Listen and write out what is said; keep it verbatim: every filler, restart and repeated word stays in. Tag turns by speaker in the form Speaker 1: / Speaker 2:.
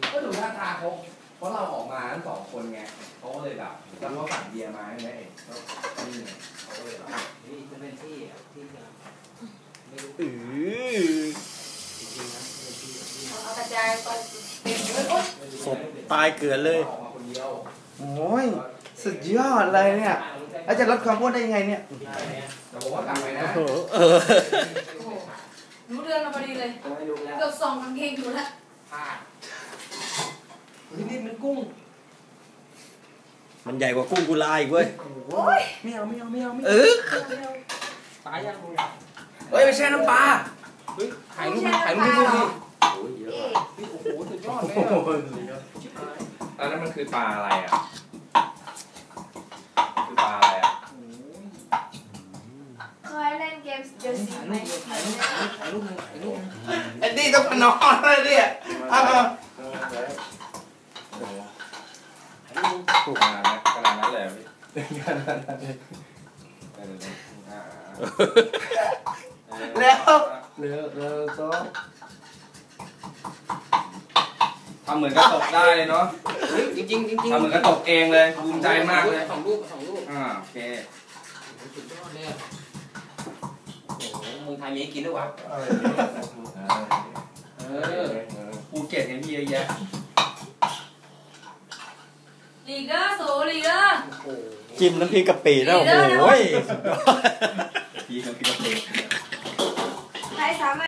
Speaker 1: ก็ดูท่าทางเขาเพราะเราออกมาทั้งสองคนไงเขาก็เลยแบบแล้วเขาสั่งเบียร์มาใช่ไหมเองก็นี่เขาก็เลยแบบนี่จะเป็นที่ที่จะไม่รู้อือจริงๆนะเป็นที่
Speaker 2: เอากระจายไปเต็มเลยโอ๊ย
Speaker 3: ศพตายเกลือเลยโอ้ยสุดยอดเลยเนี่ยแล้วจะลดความอ้วนได้ยังไงเนี่ย
Speaker 1: แต่ผมว่ากลับไปนะ
Speaker 3: เออ
Speaker 2: รู้เรื่องมาพอดีเลยเกือบส่องกางเกงอยู่แล้ว
Speaker 1: พลาดนี่นี่มันกุ้ง
Speaker 3: มันใหญ่กว่ากุ้งกุลาอีกเว้ย
Speaker 2: โอ้ย
Speaker 1: ไม่เอาไม่เอาไม่เอาไม่
Speaker 3: เอ
Speaker 1: อ
Speaker 3: ตายยัง
Speaker 1: เฮ้ยไม่ใช่น้ำปลาเฮ้ยถ่ายรูปถ่ายรูปดูดิโอ้ยเยอะโอ้โหสุดยอดเลยตอนนั้นมันคือปลาอะไรอ่ะคือปลาอะไรอ่ะ
Speaker 2: เคยเล่นเกมเดอะซีไหม
Speaker 1: ถ่ายรูปถ่ายรูปถ่ายรูป
Speaker 3: ไอ้นี่ต้องมานอนเลยเนี่ย
Speaker 1: ขนาดนั้นขนาดนั้นเลยพี่ขนาดนั้นเลย
Speaker 3: แล้ว
Speaker 1: เร็วเร็วโซ่ทำเหมือนกระตกได้เลยเนาะจริงจริงจริงทำเหมือนกระตกเองเลยภูมิใจมากเลยสองรูปสองรูปอ่าโอเคสุดยอดเลยโอ้โหเมืองไทยมีกินด้วยวะเออภูเก็ตเนี่ยมีเยอะแยะ
Speaker 2: ลีเกอร์โซลีเกอร์
Speaker 3: จิ้มน้ำพริกกะปิแล้วโอ้ย
Speaker 1: พี่กับพี่กะปิ
Speaker 2: ใครสามารถ